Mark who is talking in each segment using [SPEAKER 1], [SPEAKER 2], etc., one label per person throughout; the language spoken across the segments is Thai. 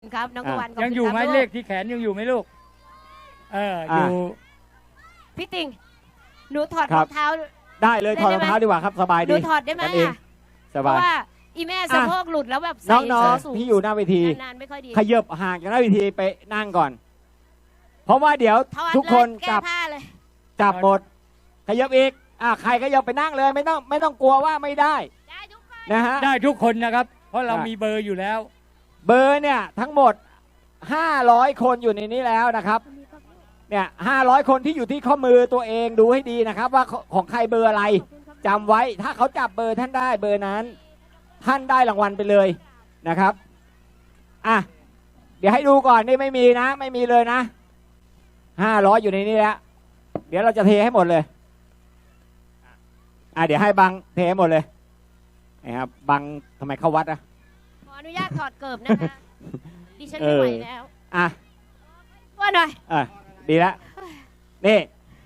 [SPEAKER 1] ครับน้องตะวัน
[SPEAKER 2] ยังอยู่ไหมเลขที่แขนยังอยู่ไหมลูกอยู่
[SPEAKER 1] พี่ติ่งหนูถอดรองเท้า
[SPEAKER 3] ได้เลยถอดรองเท้าดีกว่าครับสบายดี
[SPEAKER 1] หนูถอดได้ไหม
[SPEAKER 3] สบาย
[SPEAKER 1] เพราะว่าอีแม่สะโพกหลุดแล้วแบบ
[SPEAKER 3] น้องๆที่อยู่หน้าเวที
[SPEAKER 1] นานไม่ค่อยดี
[SPEAKER 3] ขยับห่างจากหน้าเวทีไปนั่งก่อน เพราะว่าเดี๋ยวทุกคนจับหมดขยับอีกใครขยับไปนั่งเลยไม่ต้องกลัวว่าไม่ได้นะฮะ
[SPEAKER 2] ได้ทุกคนนะครับเพราะเรามีเบอร์อยู่แล้ว
[SPEAKER 3] เบอร์เนี่ยทั้งหมด500คนอยู่ในนี้แล้วนะครับเนี่ย500คนที่อยู่ที่ข้อมือตัวเองดูให้ดีนะครับว่าของใครเบอร์อะไรจำไว้ถ้าเขาจับเบอร์ท่านได้เบอร์นั้นท่านได้รางวัลไปเลยนะครับเดี๋ยวให้ดูก่อนนี่ไม่มีนะไม่มีเลยนะ500อยู่ในนี้แล้วเดี๋ยวเราจะเทให้หมดเลยเดี๋ยวให้บังเทให้หมดเลยนะครับบังทำไมเข้าวัด
[SPEAKER 1] ขออนุญาตถอดเกิบนะคะดิฉันไม่ไหวแล้วว่าหน่อย
[SPEAKER 3] ดีแล้วนี่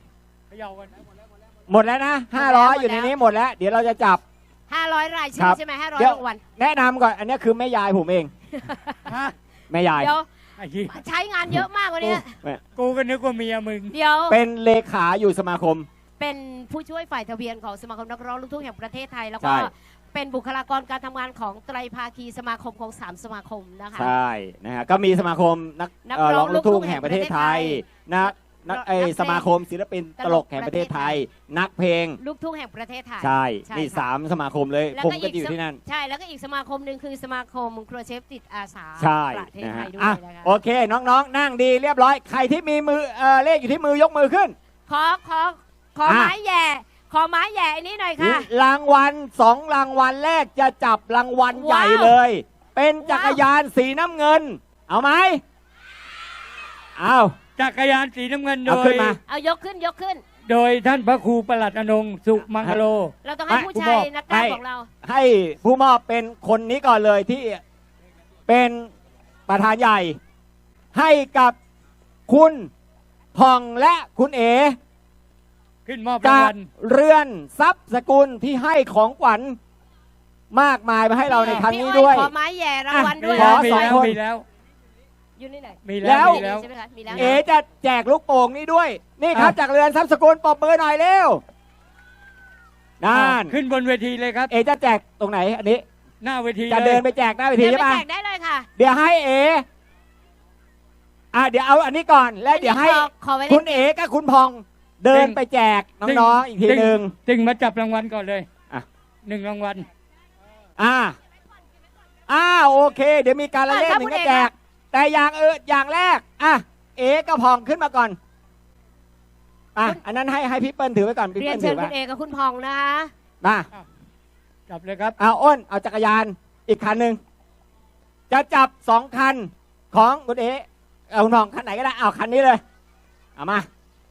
[SPEAKER 3] หมดแล้วนะ500อยู่ในนี้หมดแล้วเดี๋ยวเราจะจับ
[SPEAKER 1] 500รายชื่อใช่ไหม500รางวัล
[SPEAKER 3] แนะนำก่อนอันนี้คือแม่ยายผมเองแม่ยาย
[SPEAKER 1] เดี๋ยวใช้งานเยอะมากกว่านี้
[SPEAKER 2] กูก็นึกว่าเมียมึง
[SPEAKER 1] เดี๋ยว
[SPEAKER 3] เป็นเลขาอยู่สมาคม
[SPEAKER 1] เป็นผู้ช่วยฝ่ายทะเบียนของสมาคมนักร้องลูกทุ่งแห่งประเทศไทยแล้วก็เป็นบุคลากรการทำงานของไตรภาคีสมาคมของ3สมาคมนะคะ
[SPEAKER 3] ใช่นะฮะก็มีสมาคมนักร้องลูกทุ่งแห่งประเทศไทยสมาคมศิลปินตลกแห่งประเทศไทยนักเพลง
[SPEAKER 1] ลูกทุ่งแห่งประเทศไทย
[SPEAKER 3] ใช่นี่3สมาคมเลยผมก็อยู่ที่นั่น
[SPEAKER 1] ใช่แล้วก็อีกสมาคมหนึ่งคือสมาคมครัวเชฟจิตอาสาประเทศไทยด้วยนะคะ
[SPEAKER 3] โอเคน้องๆนั่งดีเรียบร้อยใครที่มีมือเลขอยู่ที่มือยกมือขึ้น
[SPEAKER 1] ขอไม้แย่ขอไม้แย่อันนี้หน่อยค่ะ
[SPEAKER 3] รางวัล2รางวัลแรกจะจับรางวัลใหญ่เลยเป็นจักรยานสีน้ำเงินเอาไหมเอา
[SPEAKER 2] จักรยานสีน้ำเงินโดย
[SPEAKER 1] เอายกขึ้น
[SPEAKER 2] โดยท่านพระครูประหลัดอนงค์สุมังคโล
[SPEAKER 1] เราต้องให้ผู้ชายนักการของเรา
[SPEAKER 3] ให้ผู้มอบเป็นคนนี้ก่อนเลยที่เป็นประธานใหญ่ให้กับคุณผ่องและคุณเอ
[SPEAKER 2] ขึ้นมอบรางวัล
[SPEAKER 3] เรือนทรัพย์สกุลที่ให้ของขวัญมากมายมาให้เราในครั้งนี้ด้วย
[SPEAKER 1] ขอไม้แย่รางวัลด้วย
[SPEAKER 3] ขอ2 คน
[SPEAKER 1] อยู่นี่ไหน
[SPEAKER 3] แล้วเอจะแจกลูกโป่งนี้ด้วยนี่ครับจากเรือนทรัพย์สกุลปอบมือหน่อยเร็วนั่น
[SPEAKER 2] ขึ้นบนเวทีเลยครับ
[SPEAKER 3] เอจะแจกตรงไหนอันนี้
[SPEAKER 2] หน้าเวที
[SPEAKER 3] จะเดินไปแจกหน้าเวทีใช่ไหม
[SPEAKER 1] แจกได้เลยค่ะ
[SPEAKER 3] เดี๋ยวให้เอเดี๋ยวเอาอันนี้ก่อนแล้วเดี๋ยวให้คุณเอกับคุณพองเดินไปแจกน้องๆอีกทีหนึ่ง
[SPEAKER 2] จึงมาจับรางวัลก่อนเลย1รางวัล
[SPEAKER 3] โอเคเดี๋ยวมีการละเล่นหนึ่งก็แจกแต่อย่างแรกเอกับพองขึ้นมาก่อนอันนั้นให้พี่เปิ้ลถือไว้ก่อนพี่
[SPEAKER 1] เปิ้ลถือไว้คุณเอกับคุณพองนะคะ
[SPEAKER 3] มา
[SPEAKER 2] จับเลยครับ
[SPEAKER 3] อ้นเอาจักรยานอีกคันหนึ่งจะจับ2คันของคุณเอคุณพองคันไหนก็ได้เอาคันนี้เลยเอามา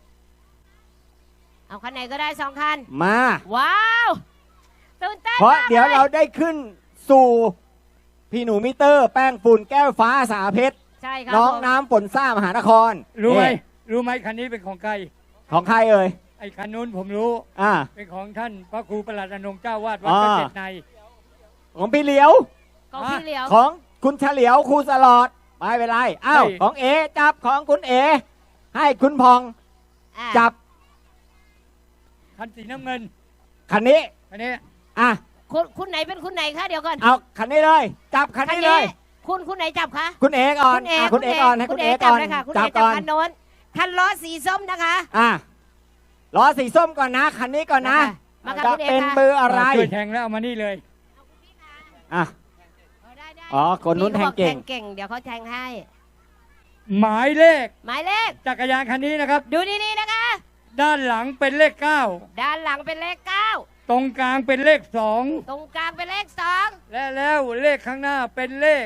[SPEAKER 1] เอาคันไหนก็ได้2คัน
[SPEAKER 3] มา
[SPEAKER 1] ว้าวตื่นเต้น
[SPEAKER 3] เพราะเดี๋ยวเราได้ขึ้นสู่พี่หนูมิเตอร์แป้งฝุ่นแก้วฟ้าสาเพชร
[SPEAKER 1] ใช่ครับ
[SPEAKER 3] น้องน้ำฝนซ่ามหานคร
[SPEAKER 2] รู้ไหมคันนี้เป็นของใคร
[SPEAKER 3] ของใครเอ่ย
[SPEAKER 2] ไอ้คันนู้นผมรู้เป็นของท่านพระครูประหลัดอนงค์เจ้าวาดวัดเกษตรใน
[SPEAKER 3] ของพี่เหลียวของคุณเฉลียวครูสลอดไม่เป็นไรของเอจับของคุณเอให้คุณพองจับ
[SPEAKER 2] คันสีน้ำเงิน
[SPEAKER 3] คันนี้
[SPEAKER 1] คุณไหนเป็นคุณไหนคะเดี๋ยวก่อน
[SPEAKER 3] เอาคันนี้เลยจับคันนี้เลย
[SPEAKER 1] คุณไหนจับคะ
[SPEAKER 3] คุณเอก่อนคุณเอก่อนให้คุณเอก่อน
[SPEAKER 1] จับก่อนคันโน้นคันล้อสีส้มนะคะ
[SPEAKER 3] ล้อสีส้มก่อนนะคันนี้ก่อนนะจะเป็นเบอร์อะไร
[SPEAKER 2] ช่วยแทงแล้วเอามานี่เลย
[SPEAKER 3] คนนู้นแทงเก่
[SPEAKER 1] งเดี๋ยวเขาแทงให้
[SPEAKER 2] หมายเลขจักรยานคันนี้นะครับ
[SPEAKER 1] ดูนี่นะคะ
[SPEAKER 2] ด้านหลังเป็นเลข9
[SPEAKER 1] ด้านหลังเป็นเลข9
[SPEAKER 2] ตรงกลางเป็นเลข2
[SPEAKER 1] ตรงกลางเป็นเลข2
[SPEAKER 2] แล้วเลขข้างหน้าเป็นเลข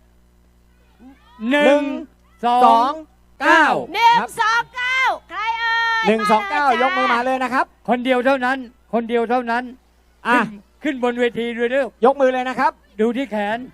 [SPEAKER 2] 1 2 9
[SPEAKER 1] 129ใครเอ่ย
[SPEAKER 3] 129ยกมือมาเลยนะครับ
[SPEAKER 2] คนเดียวเท่านั้นขึ้นบนเวทีด้วยเร็วย
[SPEAKER 3] กมือเลยนะครับ
[SPEAKER 2] ดูที่แขน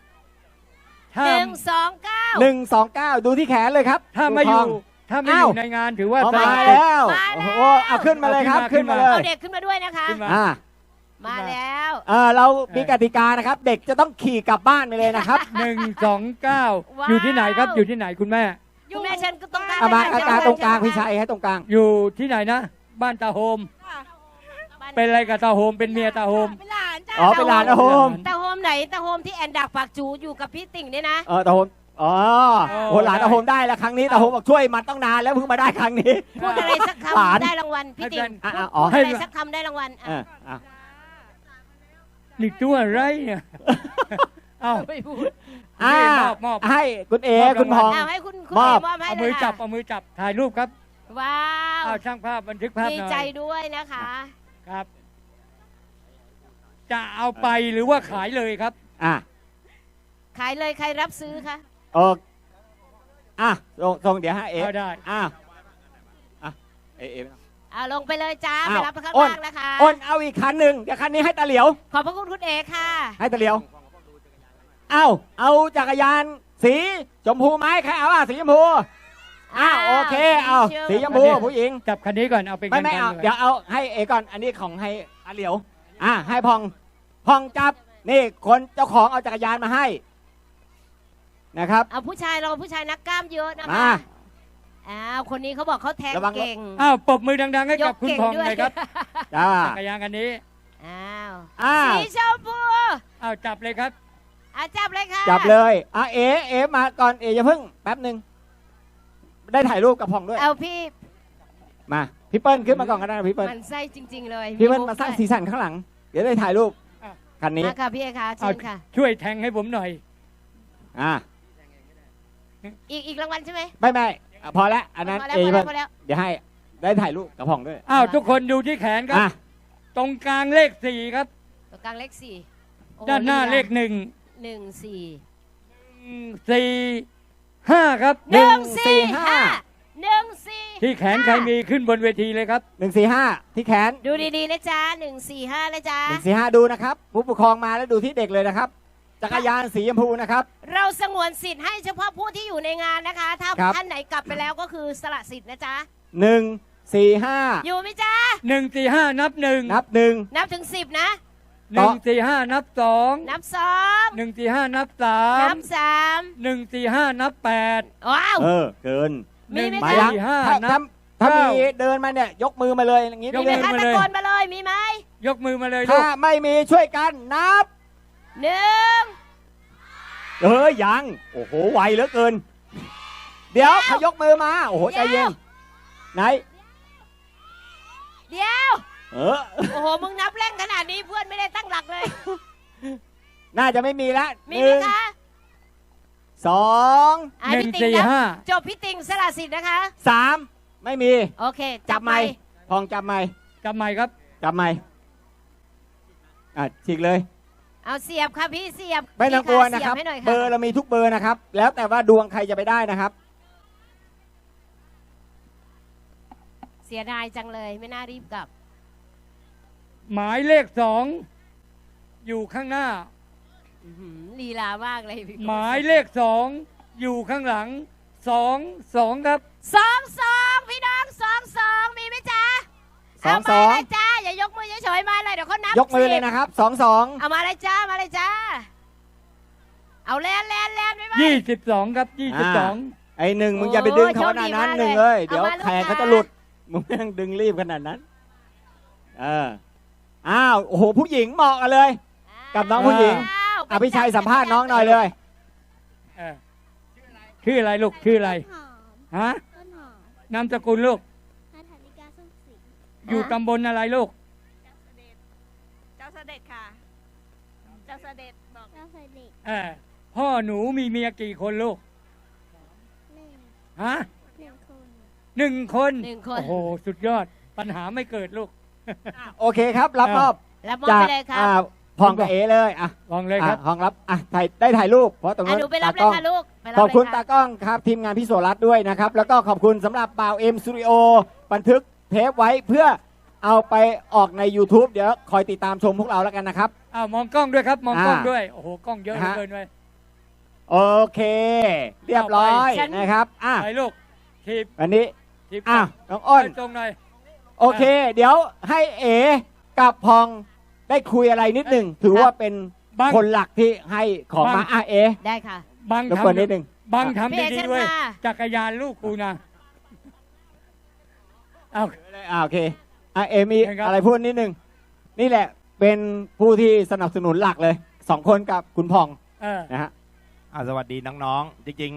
[SPEAKER 1] 129
[SPEAKER 3] ดูที่แขนเลยครับ
[SPEAKER 2] ถ้าไม่อยู่ในงานถือว่า
[SPEAKER 3] มาแล้วเอาขึ้นมาเลยครับขึ้นมาเลย
[SPEAKER 1] เอาเด็กขึ้นมาด้วยนะคะมาแล้ว
[SPEAKER 3] เรามีกติกานะครับ เด็กจะต้องขี่กลับบ้านไปเลยนะครับ
[SPEAKER 2] 129 อยู่ที่ไหนครับ อยู่ที่ไหนคุณแม่
[SPEAKER 1] อยู่แม่ฉันก็ต้องการ
[SPEAKER 3] เอามา
[SPEAKER 1] ได้
[SPEAKER 3] อาการตรงกลางพี่ชัยให้ตรงกลาง
[SPEAKER 2] อยู่ที่ไหนนะ บ้านตาโฮม เป็นอะไรกับตาโฮม เป็นเมียตาโฮม
[SPEAKER 1] เป็นหลานจ้า
[SPEAKER 3] อ๋อเป็นหลานนะโฮม
[SPEAKER 1] ตาโฮมไหนตาโฮมที่แอนดักปากจูอยู่กับพี่ติ่งเนี่ยนะ
[SPEAKER 3] ตาโฮมโหหลานตาโฮมได้แล้วครั้งนี้ตาโฮมบอกช่วยมันต้องนานแล้วเพิ่งมาได้ครั้งนี้
[SPEAKER 1] พูดอะไรสัก
[SPEAKER 3] หลาน
[SPEAKER 1] คำได้รางวัลพี่ติ่ง
[SPEAKER 3] อ๋อ
[SPEAKER 1] พูดอะไรสักคำได้รางวัลอ่ะ
[SPEAKER 2] นี่ตัวอะไรเนี่ยเอ้า
[SPEAKER 1] ไม่พูด
[SPEAKER 2] มอบ
[SPEAKER 3] ให้คุณเอ
[SPEAKER 2] มอบ
[SPEAKER 3] คุณพอง
[SPEAKER 1] เอาให้คุณ
[SPEAKER 3] มอบ
[SPEAKER 1] เอมอบให้
[SPEAKER 2] เอา
[SPEAKER 1] เล
[SPEAKER 2] มือย จับ
[SPEAKER 1] ค่ะ
[SPEAKER 2] เอามือจับ ถ่ายรูปครับ
[SPEAKER 1] ว้าว
[SPEAKER 2] เอาช่างภาพบันทึกภาพ
[SPEAKER 1] ดี
[SPEAKER 2] หน่อย
[SPEAKER 1] ใจด้วยนะคะ
[SPEAKER 2] ครับ จะเอาไปหรือว่าขายเลยครับ
[SPEAKER 1] ขายเลยใครรับซื้อคะ
[SPEAKER 3] โอส่งเดี๋ยวให้เอ
[SPEAKER 2] เอาได้
[SPEAKER 3] เอ
[SPEAKER 1] เอาลงไปเลยจ้า
[SPEAKER 3] อ้าว
[SPEAKER 1] ไปรับข้าง
[SPEAKER 3] อ้น
[SPEAKER 1] ล่างนะคะ
[SPEAKER 3] อ้นเอาอีกคันหนึ่งเดี๋ยวคันนี้ให้ตาเหลียว
[SPEAKER 1] ขอบพระคุณคุณเอค่ะ
[SPEAKER 3] ให้ตาเหลียวเอาจักรยานสีชมพูไหมใครเอาสีชมพูโอเคเอาสีชมพูผู้หญิง
[SPEAKER 2] จับคันนี้ก่อน เอาเป็น
[SPEAKER 3] ไม่เอา
[SPEAKER 2] กัน
[SPEAKER 3] เดี๋ยวเอาให้เอก่อนอันนี้ของให้อาเหลียวให้พองจับนี่คนเจ้าของเอาจักรยานมาให้นะครับ
[SPEAKER 1] เอาผู้ชายเราผู้ชายนักกล้ามเยอะนะ
[SPEAKER 3] มา
[SPEAKER 1] คะคนนี้เขาบอกเขาแทง
[SPEAKER 3] ระวัง
[SPEAKER 1] เก่ง
[SPEAKER 2] อ้าวปรบมือดังๆให้กับ
[SPEAKER 1] ยก
[SPEAKER 2] คุณ
[SPEAKER 1] เก่ง
[SPEAKER 2] พอง
[SPEAKER 1] ด้วย
[SPEAKER 2] เลยครับ
[SPEAKER 3] จ้า
[SPEAKER 2] จักรยานคันนี้
[SPEAKER 1] สีชมพู
[SPEAKER 2] อ้าวจับเลยครับ
[SPEAKER 1] จับเลยค่ะ
[SPEAKER 3] จับเลยเอมาก่อนเออย่าเพิ่งแป๊บหนึ่งได้ถ่ายรูปกับพองด้วย
[SPEAKER 1] เอาพี่
[SPEAKER 3] มาพี่เปิ้ลขึ้นมาก่อนก็ได้นะพี่เปิ้ล
[SPEAKER 1] มันไส้จริง ๆ เลย
[SPEAKER 3] พี่เปิ้ลมาสร้างสีสันข้างหลัง เดี๋ยวได้ถ่ายรูป
[SPEAKER 2] อ่ะ
[SPEAKER 3] คันนี้
[SPEAKER 1] มาค่ะพี่เอค่ะเชิ
[SPEAKER 2] เอา
[SPEAKER 1] ญค่ะ
[SPEAKER 2] ช่วยแทงให้ผมหน่อย
[SPEAKER 1] อีกรางวัลใช่ไหม
[SPEAKER 3] ไม่พอแล้วอันนั้น
[SPEAKER 1] พอแล้ว
[SPEAKER 3] เอ
[SPEAKER 1] พอ
[SPEAKER 3] เพิ่
[SPEAKER 1] แล้ว
[SPEAKER 3] ง
[SPEAKER 1] พอแล้ว
[SPEAKER 3] เดี๋ยวให้ได้ถ่ายรูปกับพองด้วย
[SPEAKER 2] อ้าวทุกคนดูที่แขนครับ ตรงกลางเลข 4 ครับ
[SPEAKER 1] ตัวกลางเลขสี่โอ้
[SPEAKER 2] ด้านหน้าเลข 1
[SPEAKER 1] 1 4
[SPEAKER 2] 4 5 ครับ
[SPEAKER 1] 1 4 5 1 4
[SPEAKER 2] ที่แขนใครมีขึ้นบนเวทีเลยครับ
[SPEAKER 3] 145ที่แขน
[SPEAKER 1] ดูดีๆนะจ๊ะ1 4 5นะจ๊ะ
[SPEAKER 3] 145ดูนะครับผู้ปกครองมาแล้วดูที่เด็กเลยนะครับจักรยานสีชมพูนะครับ
[SPEAKER 1] เราสงวนสิทธิ์ให้เฉพาะผู้ที่อยู่ในงานนะคะ ถ้า
[SPEAKER 3] ครับ
[SPEAKER 1] ท่านไหนกลับไปแล้วก็คือสละสิทธิ์นะจ๊ะ
[SPEAKER 3] 145
[SPEAKER 1] อยู่ไหมจ๊ะ
[SPEAKER 2] 145 นับ 1
[SPEAKER 3] นับ
[SPEAKER 1] นับถึง 10 นะ
[SPEAKER 2] 145 นับ 2
[SPEAKER 1] นับ 2
[SPEAKER 2] 145 นับ
[SPEAKER 1] นับ
[SPEAKER 2] 3 145 นับ 8
[SPEAKER 1] ว้าว
[SPEAKER 3] เกิน
[SPEAKER 1] มีไหม
[SPEAKER 3] มา
[SPEAKER 1] คะ
[SPEAKER 3] ยัง
[SPEAKER 2] 145 นับ
[SPEAKER 3] ถ้ามี
[SPEAKER 2] เก้า
[SPEAKER 3] เดินมาเนี่ยยกมือมาเลยอย่างนี้
[SPEAKER 2] ย
[SPEAKER 1] มี
[SPEAKER 2] ก
[SPEAKER 1] ไหม
[SPEAKER 2] มือ
[SPEAKER 1] คะ
[SPEAKER 2] มา
[SPEAKER 1] ตะ
[SPEAKER 2] เลย
[SPEAKER 1] โกนมาเลยมีไหม
[SPEAKER 2] ยกมือมาเลยลู
[SPEAKER 3] ถ้าก ไม่มีช่วยกันนับ
[SPEAKER 1] 1
[SPEAKER 3] ยังโอ้โหไวเหลือเกิน เดี๋ยวเขายกมือมาโอ้โหใจเย็นไหน
[SPEAKER 1] เดี๋ยว
[SPEAKER 3] โ
[SPEAKER 1] โอ้โหมึงนับแร่งขนาดนี้เพื่อนไม่ได้ตั้งหลักเลย
[SPEAKER 3] น่าจะไม่มีละ
[SPEAKER 1] มีไหมคะ
[SPEAKER 3] 2
[SPEAKER 1] พี่ติ่งนับ
[SPEAKER 2] 145
[SPEAKER 1] จบพี่ติ่งสละสิทธิ์นะคะ
[SPEAKER 3] 3ไม่มี
[SPEAKER 1] โอเค
[SPEAKER 3] จับไม้พองจับไม้
[SPEAKER 2] จำใหม่ครับ
[SPEAKER 3] จับไม้ฉีกเลย
[SPEAKER 1] เอาเสียบค่ะพี่เสียบ
[SPEAKER 3] ไม่ต้องกลัวนะครับ
[SPEAKER 1] เสียให้หน่อย
[SPEAKER 3] เบอร์เรามีทุกเบอร์นะครับ แล้วแต่ว่าดวงใครจะไปได้นะครับ
[SPEAKER 1] เสียดายจังเลยไม่น่ารีบกลับ
[SPEAKER 2] หมายเลข 2 อยู่ข้างหน้า
[SPEAKER 1] อื้อหือลีลามากเลยพี่
[SPEAKER 2] หมายเลข 2 อยู่ข้างหลัง 2 ครับ
[SPEAKER 1] 2 พี่น้อง2 มีไหมจ๊ะ
[SPEAKER 3] สอง
[SPEAKER 1] เอามาเลยจ้าอย่ายกมือเฉยๆมาเลยเดี๋ยวเขานับ
[SPEAKER 3] ยกมือเลยนะครับ22
[SPEAKER 1] เอามาเลยจ้ามาเลยจ้าเอาแลนไปไหม
[SPEAKER 2] 22 ครับ 22
[SPEAKER 3] ไอ้หนึ่งมึงอย่าไปดึงเขาขนาดนั้น
[SPEAKER 1] โอ้ยโชคดีมาก
[SPEAKER 3] หนึ่ง
[SPEAKER 1] เลย
[SPEAKER 3] เดี๋ยว
[SPEAKER 1] เอามาลูก
[SPEAKER 3] แขนเขา
[SPEAKER 1] ค้า
[SPEAKER 3] จะหลุดมึงไม่ต้องดึงรีบขนาดนั้นโอ้โหผู้หญิงเหมาะกันเลย กับน้องผู้หญิง
[SPEAKER 1] อ้าว
[SPEAKER 3] พี่ชัยสัมภาษณ์น้องหน่อยเลย
[SPEAKER 2] ชื่ออะไรลูก ชื่ออะไร
[SPEAKER 4] หอม
[SPEAKER 2] ฮะ
[SPEAKER 4] ต้นหอม
[SPEAKER 2] นามสกุลลูก
[SPEAKER 4] นาธานิกาสุขศรี
[SPEAKER 2] อยู่ตำบลอะไรลูก
[SPEAKER 5] เจ้าเสด็จค่ะ เจ้าเสด็จบอก
[SPEAKER 4] เจ้าเสด็จ
[SPEAKER 2] พ่อหนูมีเมียกี่คนลูก
[SPEAKER 4] หนึ่ง
[SPEAKER 2] ฮะ
[SPEAKER 4] หนึ่งคน
[SPEAKER 2] 1 คน
[SPEAKER 1] 1 คน
[SPEAKER 2] โอ้โห สุดยอด ปัญหาไม่เกิดลูก
[SPEAKER 3] โอเคครับ รับมอบ
[SPEAKER 1] รับมอบ
[SPEAKER 3] จาก
[SPEAKER 1] ไปเลยครับ
[SPEAKER 3] พองกับเอเลย
[SPEAKER 2] ลองเลยครับ
[SPEAKER 3] พองรับได้ถ่ายรูปเพราะตรงนู้น
[SPEAKER 1] หนูไปรับ
[SPEAKER 3] ตากล้อง
[SPEAKER 1] เลยค่ะลูกไปรับ
[SPEAKER 3] ขอบคุณ
[SPEAKER 1] เลยะ
[SPEAKER 3] ตากล้องครับทีมงานพี่โสรัตน์ด้วยนะครับ แล้วก็ขอบคุณสำหรับบ่าวเอ็มสตูดิโอบันทึกเทปไว้เพื่อเอาไปออกใน YouTube เดี๋ยวคอยติดตามชมพวกเราแล้วกันนะครับ
[SPEAKER 2] มองกล้องด้วยครับ มองกล้อง
[SPEAKER 3] อ่า
[SPEAKER 2] ด้วย โอ้โห กล้องเยอะเหลือเกินเลย
[SPEAKER 3] โอเค เรียบร้อย
[SPEAKER 1] ฉัน
[SPEAKER 3] นะครับ
[SPEAKER 2] ไปลูกทีบ
[SPEAKER 3] วันนี้
[SPEAKER 2] ทีบ
[SPEAKER 3] น้องอ้น
[SPEAKER 2] ตรงหน่อย
[SPEAKER 3] โอเค เดี๋ยวให้เอกับพองได้คุยอะไรนิดหนึ่งถือว่าเป็น
[SPEAKER 2] บาง
[SPEAKER 3] คนหลักที่ให้ของมา
[SPEAKER 2] บาง
[SPEAKER 3] เอ
[SPEAKER 1] ได้ค่ะ
[SPEAKER 2] บาง
[SPEAKER 3] รบกวนนิด
[SPEAKER 2] ทำ
[SPEAKER 3] หนึ่ง
[SPEAKER 2] บางทำ
[SPEAKER 1] พี่เอ
[SPEAKER 2] ดี
[SPEAKER 1] เชิญ
[SPEAKER 2] ๆเว้ย
[SPEAKER 1] ค่ะ
[SPEAKER 2] จักรยานลูกกูนะเอา
[SPEAKER 3] โอเคเอมี
[SPEAKER 2] เชิญครับ
[SPEAKER 3] อะไรพูดนิดหนึ่งนี่แหละเป็นผู้ที่สนับสนุนหลักเลย2 คนกับคุณพอง
[SPEAKER 2] เออ
[SPEAKER 3] นะฮะ
[SPEAKER 6] สวัสดีน้องๆ จริง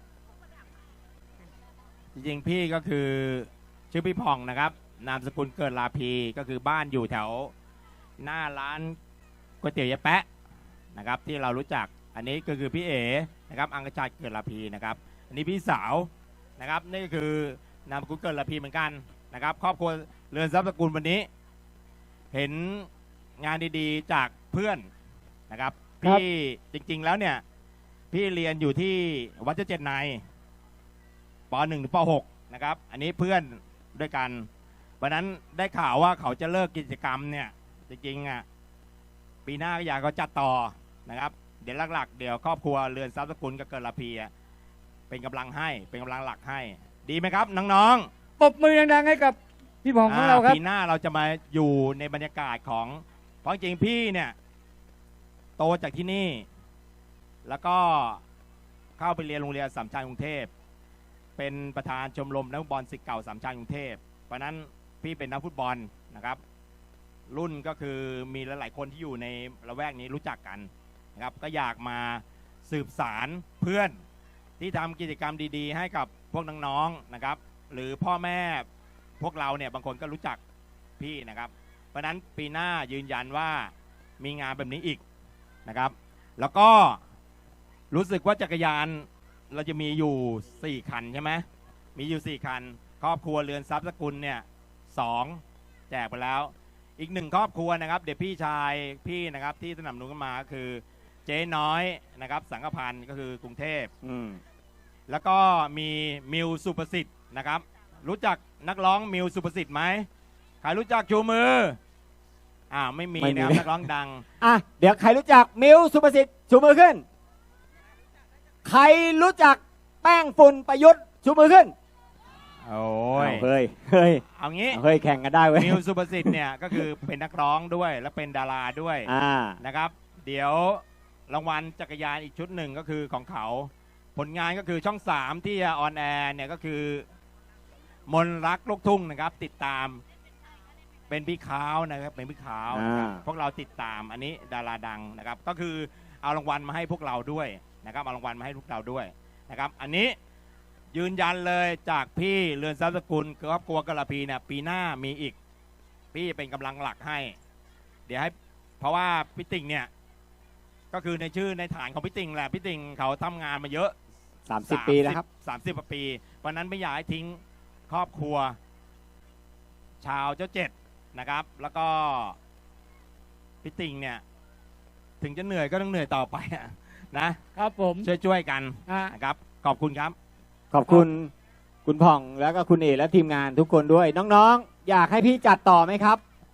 [SPEAKER 6] ๆพี่ก็คือชื่อพี่พองนะครับ นามสกุลเกิดลาพีก็คือบ้านอยู่แถวหน้าร้านก๋วยเตี๋ยวยายแปะนะครับ ที่เรารู้จักอันนี้ก็คือพี่เอ๋นะครับอังกชาติเกิดลาพีนะครับ อันนี้พี่สาวนะครับนี่ก็คือนามสกุลเกิดลาพีเหมือนกันนะครับ ครอบครัวเรือนทรัพย์สกุลวันนี้ เห็นงานดีๆจากเพื่อนนะครับ
[SPEAKER 3] ครับ
[SPEAKER 6] พี่จริงๆแล้วเนี่ย พี่เรียนอยู่ที่วัดเจ้าเจ็ดนายป .1 ถึงป .6 นะครับ อันนี้เพื่อนด้วยกันวันนั้นได้ข่าวว่าเขาจะเลิกกิจกรรมเนี่ย จริงๆอ่ะปีหน้าก็อยากเขาจัดต่อนะครับ เดี๋ยวหลักๆเดี๋ยวครอบครัวเรือนทรัพย์สกุลกับเกิดลาพีอะเป็นกำลังให้เป็นกำลังหลักให้ ดีไหมครับน้องๆ
[SPEAKER 2] ปรบมือดังๆให้กับพี่พองของเราครับ
[SPEAKER 6] ปีหน้าเราจะมาอยู่ในบรรยากาศของเพราะจริงๆพี่เนี่ยโตจากที่นี่ แล้วก็เข้าไปเรียนโรงเรียนสามชัญกรุงเทพเป็นประธานชมรมนักฟุตบอลศิษย์เก่าสามชัญกรุงเทพเพราะนั้นพี่เป็นนักฟุตบอลนะครับ รุ่นก็คือมีหลายๆคนที่อยู่ในละแวกนี้รู้จักกันนะครับ ก็อยากมาสืบสารเพื่อนที่ทำกิจกรรมดีๆ ให้กับพวกน้องๆนะครับ หรือพ่อแม่พวกเราเนี่ยบางคนก็รู้จักพี่นะครับ เพราะนั้นปีหน้ายืนยันว่ามีงานแบบนี้อีกนะครับ แล้วก็รู้สึกว่าจักรยานเราจะมีอยู่4คันใช่ไหมมีอยู่4คันครอบครัวเรือนทรัพย์สกุลเนี่ย2แจกไปแล้วอีก1ครอบครัวนะครับเดี๋ยวพี่ชายพี่นะครับที่สนับสนุนกันมาก็คือเจ๊น้อยนะครับสังกพันธ์ก็คือกรุงเทพ แล้วก็มีมิวสุประสิทธิ์นะครับ รู้จักนักร้องมิวสุประสิทธิ์ไหมใครรู้จักชูมือไม่มีนะครับนักร้องดัง
[SPEAKER 3] เดี๋ยวใครรู้จักมิวสุประสิทธิ์ชูมือขึ้น ใครรู้จักแป้งฝุ่นประยุทธ์ชูมือขึ้น
[SPEAKER 6] โอ้ย
[SPEAKER 3] เฮ้ย
[SPEAKER 6] เอางี้
[SPEAKER 3] เฮ้ยแข่งกันได้เว้ย
[SPEAKER 6] มิวสุประสิทธิ์เนี่ยก็คือเป็นนักร้องด้วยและเป็นดาราด้วยนะครับ เดี๋ยวรางวัลจักรยานอีกชุดหนึ่งก็คือของเขาผลงานก็คือช่อง3ที่ออนแอร์เนี่ยก็คือมนรักลูกทุ่งนะครับติดตามเป็นพี่ขาวนะครับเป็นพี่ขาวนะครับพวกเราติดตามอันนี้ดาราดังนะครับก็คือเอารางวัลมาให้พวกเราด้วยนะครับเอารางวัลมาให้พวกเราด้วยนะครับอันนี้ยืนยันเลยจากพี่เรือนทรัพย์สกุลครอบครัวกระพีเนี่ยปีหน้ามีอีกพี่เป็นกำลังหลักให้เดี๋ยวให้เพราะว่าพี่ติ่งเนี่ยก็คือในชื่อในฐานของพี่ติ่งแหละพี่ติ่งเขาทำงานมาเยอะ
[SPEAKER 3] 30 ปีแล้วครับ
[SPEAKER 6] 30กว่าปีเพราะนั้นไม่อยากให้ทิ้งครอบครัวชาวเจ้าเจ็ดนะครับแล้วก็พี่ติ่งเนี่ยถึงจะเหนื่อยก็ต้องเหนื่อยต่อไปนะครับ
[SPEAKER 2] ผม
[SPEAKER 6] ช่วยกันนะครับขอบคุณครับ
[SPEAKER 3] ขอบคุณคุณพ่องแล้วก็คุณเอและทีมงานทุกคนด้วยน้องๆอยากให้พี่จัดต่อไหมครับ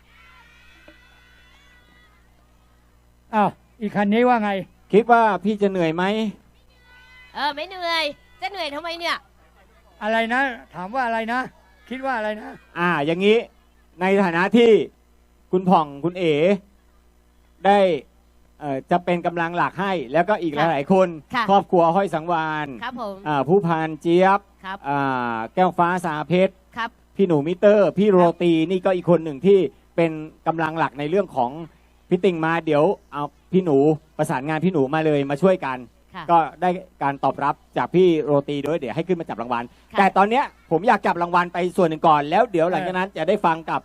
[SPEAKER 2] อ้าวอีกคันนี้ว่าไง
[SPEAKER 3] คิดว่าพี่จะเหนื่อยไหม
[SPEAKER 1] ไม่เหนื่อยจะเหนื่อยทำไมเนี่ย
[SPEAKER 2] อะไรนะ ถามว่าอะไรนะ คิดว่าอะไรนะ
[SPEAKER 3] อย่างนี้ในฐานะที่คุณพ่องคุณเอได้จะเป็นกำลังหลักให้แล้วก็อีกหลายๆคน
[SPEAKER 1] ค่ะ
[SPEAKER 3] ครอบครัวห้อยสังวาน
[SPEAKER 1] ครับผม
[SPEAKER 3] ผู้พันเจี๊ยบ
[SPEAKER 1] ครับ
[SPEAKER 3] แก้วฟ้าสาเพชร
[SPEAKER 1] ครับ
[SPEAKER 3] พี่หนูมิเตอร์ พี่โรตีนี่ก็อีกคนหนึ่งที่เป็นกำลังหลักในเรื่องของพี่ติ่งมาเดี๋ยวเอาพี่หนูประสานงานพี่หนูมาเลยมาช่วยกัน
[SPEAKER 1] ค่ะ
[SPEAKER 3] ก็ได้การตอบรับจากพี่โรตีด้วยเดี๋ยวให้ขึ้นมาจับรางวัล
[SPEAKER 1] ค่ะ
[SPEAKER 3] แต่ตอนเนี้ยผมอยากจับรางวัลไปส่วนหนึ่งก่อนแล้วเดี๋ยวหลังจากนั้นจะได้ฟังกับ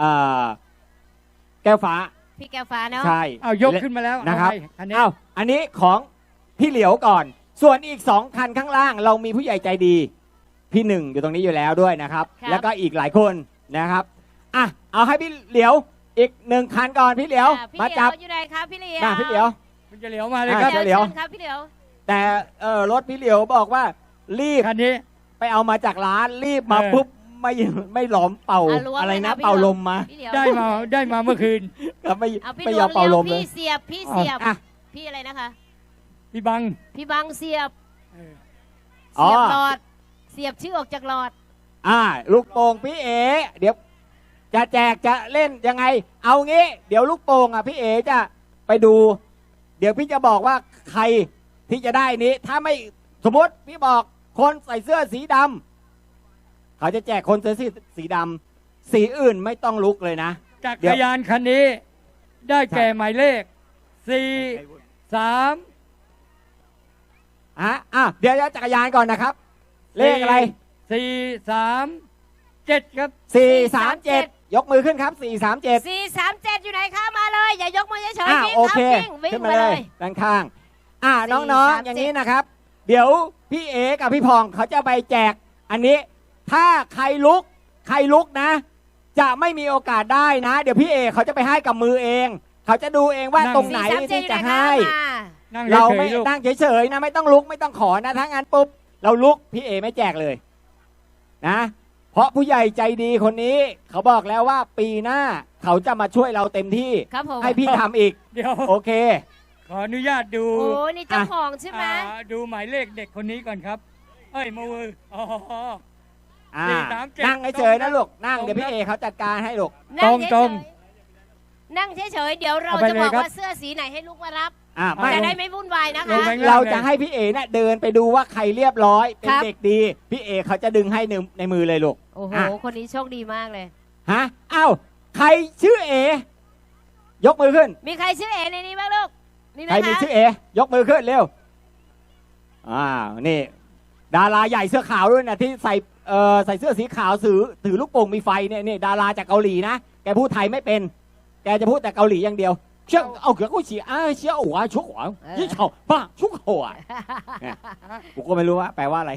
[SPEAKER 3] แก้วฟ้า
[SPEAKER 1] พี่แก้วฟ้าเนาะ
[SPEAKER 3] ใช่
[SPEAKER 2] เอายกขึ้นมาแล้ว
[SPEAKER 3] นะครับ
[SPEAKER 2] เอาไงอันนี้
[SPEAKER 3] อันนี้ของพี่เหลียวก่อน ส่วนอีก2คันข้างล่างเรามีผู้ใหญ่ใจดี พี่หนึ่งอยู่ตรงนี้อยู่แล้วด้วยนะครับ
[SPEAKER 1] ครับ
[SPEAKER 3] แล้วก็อีกหลายคนนะครับเอาให้พี่เหลียวอีก1คันก่อนพี่เหลียว
[SPEAKER 1] พี่
[SPEAKER 3] มา
[SPEAKER 1] เหลี
[SPEAKER 3] จั
[SPEAKER 1] ย
[SPEAKER 3] บ
[SPEAKER 1] วอยู่ไหนครับพี่เหลียว
[SPEAKER 3] พี่เหลียว
[SPEAKER 2] มันจะเหลียวมาเลยครับ
[SPEAKER 3] เหลียว
[SPEAKER 1] เชิญครับพี่เหลียว
[SPEAKER 3] แต่รถพี่เหลียวบอกว่ารีบ
[SPEAKER 2] คันนี้
[SPEAKER 3] ไปเอามาจากร้านรีบมาปุ๊บไม่หลอมเป่า
[SPEAKER 1] ล้วง
[SPEAKER 3] อะไร
[SPEAKER 1] เลย
[SPEAKER 3] นะ
[SPEAKER 1] พี่
[SPEAKER 3] เป่า
[SPEAKER 1] เห
[SPEAKER 3] ล
[SPEAKER 1] ยว
[SPEAKER 3] มมา
[SPEAKER 1] พี่เหลียว
[SPEAKER 2] ได้มาเมื่อคืน
[SPEAKER 3] ก็ไม่
[SPEAKER 1] เอาพี่
[SPEAKER 3] ไม่
[SPEAKER 1] เหลี
[SPEAKER 3] ย
[SPEAKER 1] ย
[SPEAKER 3] อ
[SPEAKER 1] ว
[SPEAKER 3] มเป่าลมเลย
[SPEAKER 1] พี่เสียบพี่เสียบ
[SPEAKER 3] อ่ะ
[SPEAKER 1] พี่อะไรนะคะ
[SPEAKER 2] พี่บัง
[SPEAKER 1] พี่บังเสียบ
[SPEAKER 2] เออ
[SPEAKER 3] อ๋อ
[SPEAKER 1] เสียบหลอด เสียบชื่อออกจากหลอด
[SPEAKER 3] ลูกโป่งพี่เอเดี๋ยวจะแจกจะเล่นยังไง เอางี้ เดี๋ยวลูกโป่งอ่ะพี่เอจะไปดู เดี๋ยวพี่จะบอกว่าใครที่จะได้นี้ ถ้าไม่สมมติพี่บอกคนใส่เสื้อสีดำเขาจะแจกคนใส่สีดำสีอื่นไม่ต้องลุกเลยนะ
[SPEAKER 2] จักรยานคันนี้ ได้แก่หมายเลข 4 3
[SPEAKER 3] เดี๋ยวจักรยานก่อนนะครับ เลขอะไร
[SPEAKER 2] 4 3 7 ครับ
[SPEAKER 3] 437 ยกมือขึ้นครับ 437
[SPEAKER 1] 437 อยู่ไหนคะมาเลย อย่ายกมือเฉยๆวิ่ง
[SPEAKER 3] โอเค
[SPEAKER 1] วิ่ง
[SPEAKER 3] ขึ้น
[SPEAKER 1] ไป
[SPEAKER 3] มา
[SPEAKER 1] เล
[SPEAKER 3] เลย
[SPEAKER 1] ย
[SPEAKER 3] ด้านข้างน้องๆ อย่างนี้นะครับ เดี๋ยวพี่เอกับพี่พองเขาจะไปแจกอันนี้ ถ้าใครลุกนะ จะไม่มีโอกาสได้นะ เดี๋ยวพี่เอเขาจะไปให้กับมือเอง เขาจะดูเองว่า
[SPEAKER 2] นั่ง
[SPEAKER 3] ตรงไหน
[SPEAKER 1] 437
[SPEAKER 3] ที่จะให้
[SPEAKER 1] อยู่ไหนคะมา
[SPEAKER 2] นั่ง
[SPEAKER 3] เรา
[SPEAKER 2] เฉ
[SPEAKER 3] ไม่
[SPEAKER 2] ยๆลูก
[SPEAKER 3] นั่งเฉยๆนะไม่ต้องลุกไม่ต้องขอนะถ้างั้นปุ๊บเราลุกพี่เอไม่แจกเลยนะ เพราะผู้ใหญ่ใจดีคนนี้ เขาบอกแล้วว่าปีหน้าเขาจะมาช่วยเราเต็มที่
[SPEAKER 1] ครับผม
[SPEAKER 3] ให้พี่ทำอีก
[SPEAKER 2] เดี๋ยว
[SPEAKER 3] โอเค
[SPEAKER 2] ขออนุญาตดู
[SPEAKER 1] โอ้นี่เจ้าของใช่ไหม
[SPEAKER 2] ดูหมายเลขเด็กคนนี้ก่อนครับ เอ้ยมืออ๋อ 437
[SPEAKER 3] นั่งเฉยๆนะลูกนั่ง
[SPEAKER 2] ตรง
[SPEAKER 3] เดี๋ยวพี่เอเขาจัดการให้ลูก
[SPEAKER 1] นั่ง
[SPEAKER 2] ตรง
[SPEAKER 1] เฉยๆนั่งเฉยๆเดี๋ยวเรา
[SPEAKER 2] เอาไป
[SPEAKER 1] จะ
[SPEAKER 2] เลย
[SPEAKER 1] บอก
[SPEAKER 2] ครับ
[SPEAKER 1] ว่าเสื้อสีไหนให้ลูกมารับ
[SPEAKER 3] ไม่
[SPEAKER 1] จะได้ไม่วุ่นวายนะ
[SPEAKER 2] ลง
[SPEAKER 1] คะ
[SPEAKER 2] ไป
[SPEAKER 3] เราจะให้พี่เอเนี่ยเดินไปดูว่าใครเรียบร้อยเป็น
[SPEAKER 1] ครับ
[SPEAKER 3] เด็กดี พี่เอเขาจะดึงให้ในมือเลยลูก
[SPEAKER 1] โอ้โห
[SPEAKER 3] อ่ะ
[SPEAKER 1] คนนี้โชคดีมากเลย
[SPEAKER 3] ฮะอ้าวใครชื่อเอยกมือขึ้น
[SPEAKER 1] มีใครชื่อเอในนี้บ้างลูกนี่
[SPEAKER 3] ใคร
[SPEAKER 1] นะ
[SPEAKER 3] มี
[SPEAKER 1] คะ
[SPEAKER 3] ชื่อเอยกมือขึ้นเร็วนี่ ดาราใหญ่เสื้อขาวด้วยนะที่ใส่เสื้อสีขาวถือลูกโป่งมีไฟเนี่ยนี่ดาราจากเกาหลีนะแกพูดไทยไม่เป็น แกจะพูดแต่เกาหลีอย่างเดียวเชื่อเอาเกือบกูฉีเชี่ยหัวชุกหัวยี่เฉาบ้าชุกหัวเนี่ยกูก็ไม่รู้ว่าแปลว่าอะไร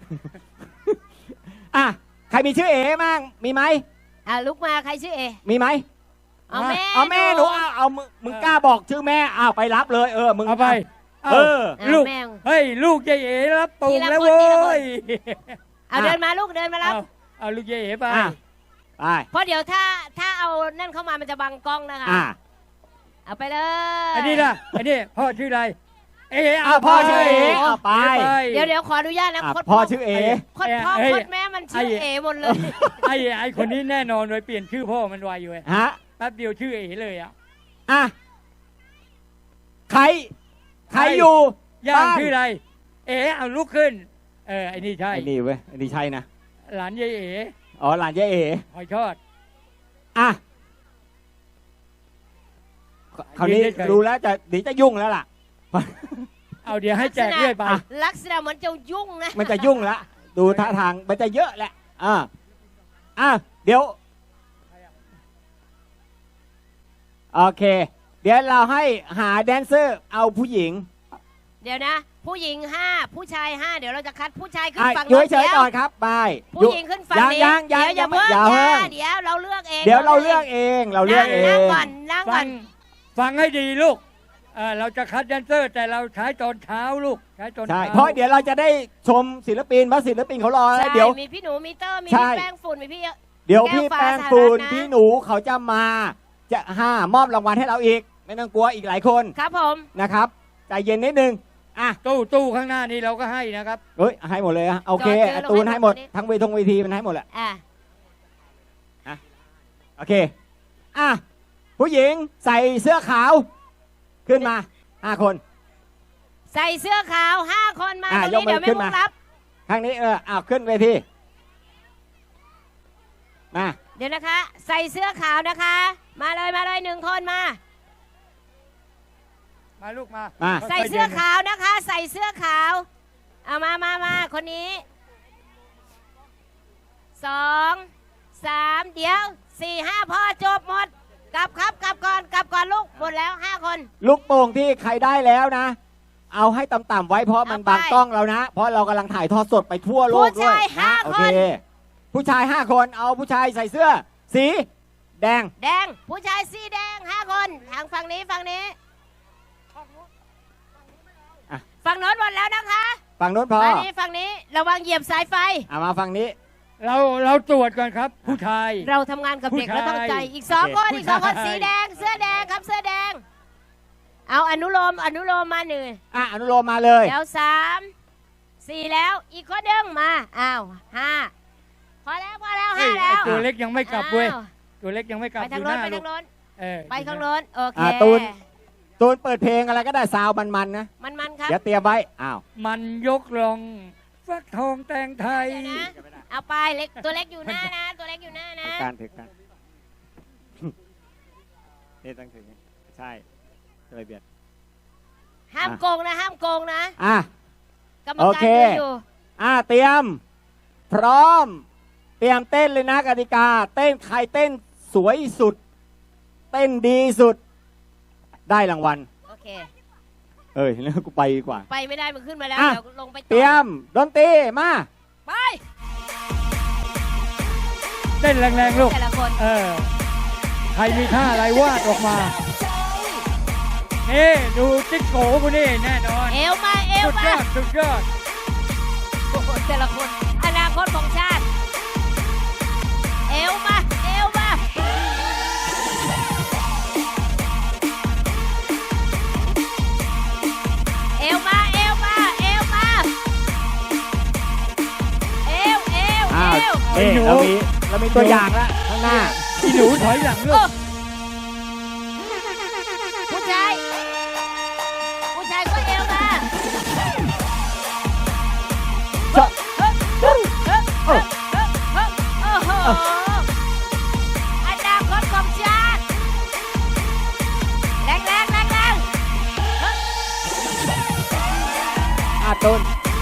[SPEAKER 3] ใครมีชื่อเอมั่งมีไหม
[SPEAKER 1] ลุกมาใครชื่อเอ
[SPEAKER 3] มีไหม
[SPEAKER 1] เอาแม่
[SPEAKER 3] เอาแม่หนูเอามึงกล้าบอกชื่อแม่ไปรับเลยมึง
[SPEAKER 2] เอาไป
[SPEAKER 3] เออ
[SPEAKER 2] ลูก
[SPEAKER 1] แม่
[SPEAKER 2] เฮ้ย ลูกยายเอ๋รับตูง
[SPEAKER 1] ทีละ
[SPEAKER 2] แล้ว
[SPEAKER 1] คน
[SPEAKER 2] โว้
[SPEAKER 1] ทีละคน
[SPEAKER 2] ย
[SPEAKER 1] เอาเดินมาลูกเดินมารับ
[SPEAKER 2] เอาลูกยายเอ๋ไป
[SPEAKER 3] ไป
[SPEAKER 1] เพราะเดี๋ยวถ้าเอานั่นเข้ามามันจะบังกล้องนะคะ เอาไปเลย
[SPEAKER 2] อันนี้ล่ะอันนี้พ่อชื่ออะไร เอ๋
[SPEAKER 3] พ่อชื่อเอ๋เอาไป
[SPEAKER 1] เดี๋ยวขออนุญาตนะ
[SPEAKER 3] พ่อชื่อเอ
[SPEAKER 1] โคตรพ่อโคตรแม่มันชื่อเอหมดเลย
[SPEAKER 2] ไอ้คนนี้แน่นอนเลยเปลี่ยนชื่อพ่อมันไวอยู่เลย
[SPEAKER 3] ฮะ
[SPEAKER 2] แป๊บเดียวชื่อเอ๋เลยอ่ะ
[SPEAKER 3] ใครอยู่
[SPEAKER 2] ย่าง
[SPEAKER 3] บ้าน
[SPEAKER 2] ชื่ออะไร เอ๋เอาลุกขึ้นไอ้นี่ใช่
[SPEAKER 3] ไอ้นี่เว้ยไอ้นี่ใช่นะ
[SPEAKER 2] หลานยายเอ๋
[SPEAKER 3] อ๋อหลานยายเอ๋
[SPEAKER 2] หอยทอด
[SPEAKER 3] คราวนี้
[SPEAKER 2] ยืนเฉยๆ
[SPEAKER 3] รู้แล้วเดี๋ยวจะยุ่งแล้วล่ะ
[SPEAKER 2] เอาเดี๋ยวให้แจกเรื่อยไป
[SPEAKER 1] ลักษณะเหมือนจะยุ่งนะ
[SPEAKER 3] มันจะยุ่งแล้วดูท่าทางมันจะเยอะแหละเดี๋ยวโอเค เดี๋ยวเราให้หาแดนเซอร์เอาผู้หญิง
[SPEAKER 1] เดี๋ยวนะ ผู้หญิง5ผู้ชาย5เดี๋ยวเราจะคัดผู้ชายขึ้นฝั่ง
[SPEAKER 3] อยู่
[SPEAKER 1] โน้น
[SPEAKER 3] เฉยๆก่อนครับไป
[SPEAKER 1] ผู้หญิงขึ้นฝั่งนี้
[SPEAKER 3] ยัง
[SPEAKER 1] เดี๋ยวอย่าเพิ่ง
[SPEAKER 3] อย่าเพิ่ง
[SPEAKER 1] เดี๋ยวเราเลือกเอง
[SPEAKER 3] เดี๋ยวเราเลือกเองเราเลือกเอ
[SPEAKER 1] นั่ง
[SPEAKER 3] ง
[SPEAKER 1] ก่อนนั่งก่
[SPEAKER 2] ฟั
[SPEAKER 1] อน
[SPEAKER 2] งฟังให้ดีลูกเราจะคัดแดนเซอร์ แต่เราใช้ตอนเช้าลูกใช้ตอน
[SPEAKER 3] ใช่
[SPEAKER 2] เช้า
[SPEAKER 3] เพราะเดี๋ยวเราจะได้ชมศิลปินเพราะศิลปินเขารอแล้ว
[SPEAKER 1] ใช่
[SPEAKER 3] เดี๋ยว
[SPEAKER 1] มีพี่หนูมีเตอร์มี
[SPEAKER 3] ใช่
[SPEAKER 1] พี่แป้งฝุ่นมีพี่
[SPEAKER 3] เดี๋ยวพี่
[SPEAKER 1] แก้วฟ้า
[SPEAKER 3] แป้งปูน
[SPEAKER 1] สหรัฐนะ
[SPEAKER 3] พี่หนูเขาจะมาจะมอบรางวัลให้เราอีก ไม่ต้องกลัวอีกหลายคน
[SPEAKER 1] ครับผม
[SPEAKER 3] นะครับใจเย็นนิดนึง
[SPEAKER 2] ตู้ข้างหน้านี้เราก็ให้นะครับ
[SPEAKER 3] เฮ้ยให้หมดเลยโอเคตูนให้หมดทั้งเวทีมันให้หมดแหละโอเคผู้หญิงใส่เสื้อขาวขึ้นมา5 คน
[SPEAKER 1] ใส่เสื้อขาว5 คนมาตรง
[SPEAKER 3] ยก
[SPEAKER 1] นี้
[SPEAKER 3] มือ
[SPEAKER 1] เดี๋ยวไม่
[SPEAKER 3] ขึ้น
[SPEAKER 1] มุ
[SPEAKER 3] มา
[SPEAKER 1] กรับ
[SPEAKER 3] ข้างนี้ขึ้นเวทีมา
[SPEAKER 1] เดี๋ยวนะคะ ใส่เสื้อขาวนะคะ มาเลย1 คนมา
[SPEAKER 2] มาลูกมา
[SPEAKER 1] ใส่เสื้อขาวนะคะ ใส่เสื้อขาวเอามาคนนี้2 3เดี๋ยว4 5พอจบหมดกลับก่อนลูกหมดแล้ว5 คน
[SPEAKER 3] ลูกโป่งที่ใครได้แล้วนะ เอาให้ต่ำๆไว้เพราะมัน
[SPEAKER 1] เอาไป
[SPEAKER 3] บังกล้องเรานะ เพราะเรากำลังถ่ายทอดสดไปทั่วโลก
[SPEAKER 1] ผู้
[SPEAKER 3] ด้วย
[SPEAKER 1] ชาย
[SPEAKER 3] นะ
[SPEAKER 1] 5
[SPEAKER 3] โอ
[SPEAKER 1] ค
[SPEAKER 3] เคน ผู้ชาย5 คนเอาผู้ชายใส่เสื้อ สีแดง
[SPEAKER 1] แดงผู้ชายสีแดง5 คนทางฝั่งนี้ฝั่งนี้ฝั่งโน้นหมดแล้วนะคะ
[SPEAKER 3] ฝั่งโน้นพอ
[SPEAKER 1] ฝั่งนี้ระวังเหยียบสายไฟ
[SPEAKER 3] มาฝั่งนี้
[SPEAKER 2] เราตรวจก่อนครับ ผู้ชาย
[SPEAKER 1] เราทำงานกับเด็ก
[SPEAKER 2] ผู้ชาย
[SPEAKER 1] แล้วตั้งใจอีก2 คน
[SPEAKER 2] ผู้
[SPEAKER 1] อีก
[SPEAKER 2] ชาย
[SPEAKER 1] 2 คนสีแดงเสื้อแดงครับเสื้อแดง เอาอนุโลมมาหนึ่ง
[SPEAKER 3] อนุโลมมาเลย
[SPEAKER 1] เดี๋ยว3 4แล้วอีกคนหนึ่งมา5พอแล้ว
[SPEAKER 2] เฮ้ย
[SPEAKER 1] 5 แล้
[SPEAKER 2] ไอ้
[SPEAKER 1] ว
[SPEAKER 2] ตัวเล็กยังไม่กลับเว้ย
[SPEAKER 1] อ้าว
[SPEAKER 2] ตัวเล็กยังไม่กลับ
[SPEAKER 1] ไปทาง
[SPEAKER 2] ดู
[SPEAKER 1] โน้
[SPEAKER 2] ห
[SPEAKER 1] น
[SPEAKER 2] น้า
[SPEAKER 1] ไป
[SPEAKER 2] ลู
[SPEAKER 1] ทาก งโน้น
[SPEAKER 2] เออ
[SPEAKER 1] ไปข้างโน้นโอเค
[SPEAKER 3] ตูนเปิดเพลงอะไรก็ได้ซาวมันๆนะ
[SPEAKER 1] มันครับ
[SPEAKER 3] เดี๋ยวเตรียมไว้อ้าว
[SPEAKER 2] มันยกลองฟักทองแตงไทย
[SPEAKER 1] เดี๋ยวนะเอาไปเล็กตัวเล็กอยู่หน้านะ ตัวเล็กอยู่หน้านะ
[SPEAKER 3] ถือการนี่ต้องถือใช่จะไปเบียด
[SPEAKER 1] ห้ามโกงนะห้ามโกงนะ
[SPEAKER 3] อ่ะ
[SPEAKER 1] กรรม
[SPEAKER 3] โอ
[SPEAKER 1] การ
[SPEAKER 3] เค
[SPEAKER 1] ดูอยู่
[SPEAKER 3] เตรียม พร้อม เตรียมเต้นเลยนะกติกา เต้นใครเต้นสวยสุด เต้นดีสุด ได้รางวัล
[SPEAKER 1] โอเค
[SPEAKER 3] แล้วกูไปดีกว่า
[SPEAKER 1] ไปไม่ได้มันขึ้นมาแล้ว
[SPEAKER 3] อ่ะ
[SPEAKER 1] เดี๋ยวลงไปต่อ
[SPEAKER 3] เตรียมดนตรีมา
[SPEAKER 1] ไป
[SPEAKER 2] เต้นแรงๆลูก
[SPEAKER 1] แต่ละคน
[SPEAKER 2] ใครมีท่าอะไรวาดออกมา นี่ดูจิ๊กโกกูนี่แน่นอน
[SPEAKER 1] เอวมาเอว
[SPEAKER 2] สุดย
[SPEAKER 1] มา
[SPEAKER 2] อดสุดยอด
[SPEAKER 1] โอ้โหแต่ละคนอนาคตของชาติเอวมาเอวมาเอวมาเอวมาเอวมาเอวเอว
[SPEAKER 3] อ้าว
[SPEAKER 1] เอว
[SPEAKER 3] นี่เรามีตัวอย่างแล้วข้างหน้า
[SPEAKER 2] อีหนูถอยหลังลู
[SPEAKER 1] โอ้
[SPEAKER 2] ก
[SPEAKER 1] ผู้ชายก็เอวมา
[SPEAKER 3] ชอบ
[SPEAKER 1] โอ้โหอนาคตของชาติแรงแรงแรงแรง
[SPEAKER 3] ตูน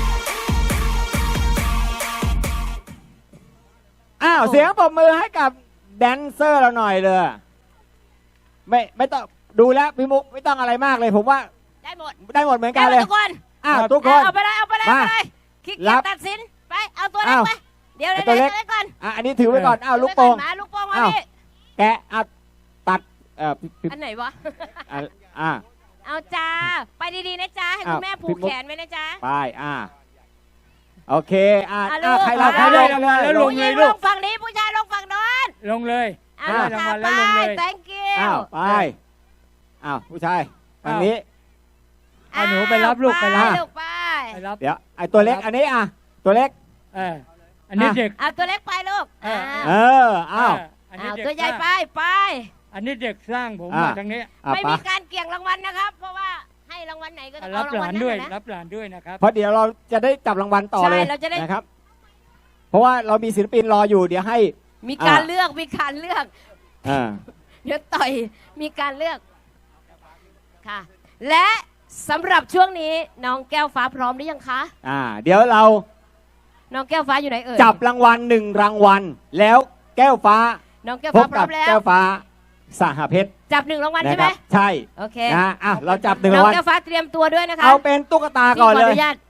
[SPEAKER 3] เสียงปรบมือให้กับแดนเซอร์เราหน่อยเลยไม่ต้องดูแล้วพี่มุกไม่ต้องอะไรมากเลยผมว่า
[SPEAKER 1] ได้หมด
[SPEAKER 3] ได้หมดเหมือนกันเลย
[SPEAKER 1] ทุกคน
[SPEAKER 3] ทุกคน
[SPEAKER 1] เอาไปเลยเอาไปเลย
[SPEAKER 3] มา
[SPEAKER 1] เอาไปเลยขี้เกี
[SPEAKER 3] รั
[SPEAKER 1] ยจ
[SPEAKER 3] บ
[SPEAKER 1] ตัดสินไปเอาตัวเล็กไปเดี๋ยว
[SPEAKER 3] ไอ้
[SPEAKER 1] เดี๋ยว
[SPEAKER 3] ตัวเล็ก
[SPEAKER 1] ตัวเล็กก่อน
[SPEAKER 3] อันนี้ถือไว้ก่อนลูกโป่ง
[SPEAKER 1] มาลูกโป่งมา
[SPEAKER 3] อ้าว
[SPEAKER 1] พี่
[SPEAKER 3] แกะตัดพี่
[SPEAKER 1] อันไหนวะ
[SPEAKER 3] อ่ะ
[SPEAKER 1] เอาจ้าไปดีๆนะจ้าให้คุณแม่ผูกแขนไว้นะจ้า
[SPEAKER 3] ไปโอเค
[SPEAKER 1] ลูก
[SPEAKER 3] ใครรับ
[SPEAKER 2] ใครได้รางวัลแล้วลง
[SPEAKER 1] ผู้ห
[SPEAKER 2] เล
[SPEAKER 1] ญิ
[SPEAKER 2] ย
[SPEAKER 1] ง
[SPEAKER 2] ลู
[SPEAKER 1] ล
[SPEAKER 2] ก
[SPEAKER 1] งฝั่งนี้ผู้ชายลงฝั่งโน้น
[SPEAKER 2] ลงเลย
[SPEAKER 1] เอา
[SPEAKER 2] ได้
[SPEAKER 1] ลูก
[SPEAKER 2] ราง
[SPEAKER 1] ค่ะ
[SPEAKER 2] วัล
[SPEAKER 1] ไป
[SPEAKER 2] แล้วลงเลย
[SPEAKER 1] thank you
[SPEAKER 3] ไปผู้ชายทางนี้
[SPEAKER 2] เอาหนูไปรับลูกไปรับ
[SPEAKER 1] ลูกไป
[SPEAKER 2] ไปรับ
[SPEAKER 3] เดี๋ยวไอ้ตัวเล็กอันนี้ตัวเล็ก
[SPEAKER 2] อันนี้เด็ก
[SPEAKER 1] เอาตัวเล็กไปลูก
[SPEAKER 2] อันนี้
[SPEAKER 1] เอา
[SPEAKER 2] เด็ก
[SPEAKER 1] ตัวใหญ่ไปไป
[SPEAKER 2] อันนี้เด็กสร้างผมมาทางนี้
[SPEAKER 1] ไม่มีการเกี่ยงรางวัลนะครับ เพราะว่าให้รางวัลไหนก็ต้อง
[SPEAKER 2] รั
[SPEAKER 1] เอา
[SPEAKER 2] บ
[SPEAKER 1] ราง
[SPEAKER 2] ห
[SPEAKER 1] วั
[SPEAKER 2] ลา
[SPEAKER 1] ล
[SPEAKER 2] น
[SPEAKER 1] นั้น
[SPEAKER 2] ด้วย
[SPEAKER 1] นะ
[SPEAKER 2] รับหลานด้วยนะครับ
[SPEAKER 3] เพราะเดี๋ยวเราจะได้จับรางวัลต่อเลย
[SPEAKER 1] ใช่เราจะได้
[SPEAKER 3] นะครับ เพราะว่าเรามีศิลปินรออยู่เดี๋ยวให้
[SPEAKER 1] มีการเลือกมีการเลือก เดี๋ยวต่อยมีการเลือกค่ะ และสำหรับช่วงนี้น้องแก้วฟ้าพร้อมหรือยังคะ
[SPEAKER 3] เดี๋ยวเรา
[SPEAKER 1] น้องแก้วฟ้าอยู่ไหนเอ่ย
[SPEAKER 3] จับรางวัล1 รางวัลแล้วแก้วฟ้า
[SPEAKER 1] น้องแก้ว
[SPEAKER 3] พ
[SPEAKER 1] ฟ้า
[SPEAKER 3] บ
[SPEAKER 1] พร้
[SPEAKER 3] กั
[SPEAKER 1] อบ มแล้ว
[SPEAKER 3] แก้วฟ้าสหเพชร
[SPEAKER 1] จับ1 รางวัล
[SPEAKER 3] นะ
[SPEAKER 1] ใช่
[SPEAKER 3] ค
[SPEAKER 1] ไหม
[SPEAKER 3] รับใช่
[SPEAKER 1] โอเค
[SPEAKER 3] เราจับ1
[SPEAKER 1] น้
[SPEAKER 3] รา
[SPEAKER 1] อง
[SPEAKER 3] งวัล
[SPEAKER 1] แก้วฟ้าเตรียมตัวด้วยนะคะ
[SPEAKER 3] เอาเป็นตุ๊กตาก่อน
[SPEAKER 1] พี่ข
[SPEAKER 3] เล
[SPEAKER 1] อย นุญาต